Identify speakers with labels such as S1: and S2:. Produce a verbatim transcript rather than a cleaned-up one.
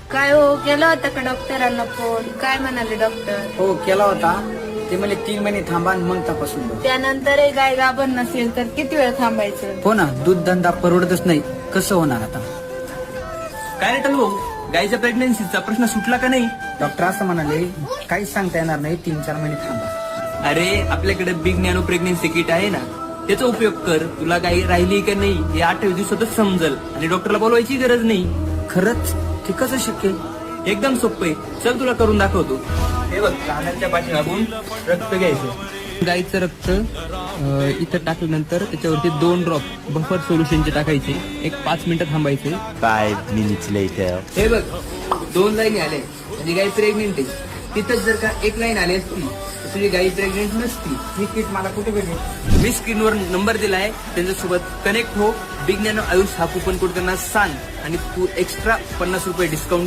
S1: काय हो, केला होता का डॉक्टरांना फोन? काय म्हणाले डॉक्टर?
S2: हो केला होता. ते मला तीन महिने थांबा आणि मग तपासून बघ.
S1: त्यानंतरही गाय गाभण नसेल तर किती वेळ थांबायचं?
S2: हो ना, दूध धंदा परवडतच नाही. कसं होणार आता?
S3: काय रे भाऊ, गायच्या प्रेग्नन्सीचा प्रश्न सुटला का नाही?
S2: डॉक्टर असं म्हणाले काहीच सांगता येणार नाही, तीन चार महिने थांबा.
S3: अरे आपल्याकडे बिग नॅनो प्रेग्नन्सी किट आहे ना, त्याचा उपयोग कर. तुला गाय राहिली का नाही हे अठ्ठावीस दिवसातच समजल आणि डॉक्टरला बोलवायची गरज नाही.
S2: खरंच? ते कसं शक्य?
S3: एकदम सोपं आहे. चल तुला करून दाखवतो. हे बघ, कानाच्या पाठीमागून रक्त घ्यायचं. गाईचं रक्त अं, इथं टाकल्यानंतर त्याच्यावरती दोन ड्रॉप बफर सोल्युशनचे टाकायचे. एक पाच मिनिटं थांबायचे.
S4: Five minutes later.
S3: हे बघ, दोन लाईन आले म्हणजे गाई प्रेग्नेंट आहे. तिथंच जर का एक लाईन आली असती तर तुझी गाई प्रेग्नेंट नसती.
S2: ही किट मला कुठे भेटेल?
S3: मी स्क्रीनवर नंबर दिलाय, त्यांच्यासोबत कनेक्ट हो. बिग नॅनो आयुष हा कुपन कोड त्यांना सांग आणि तू एक्स्ट्रा पन्नास रुपये डिस्काउंट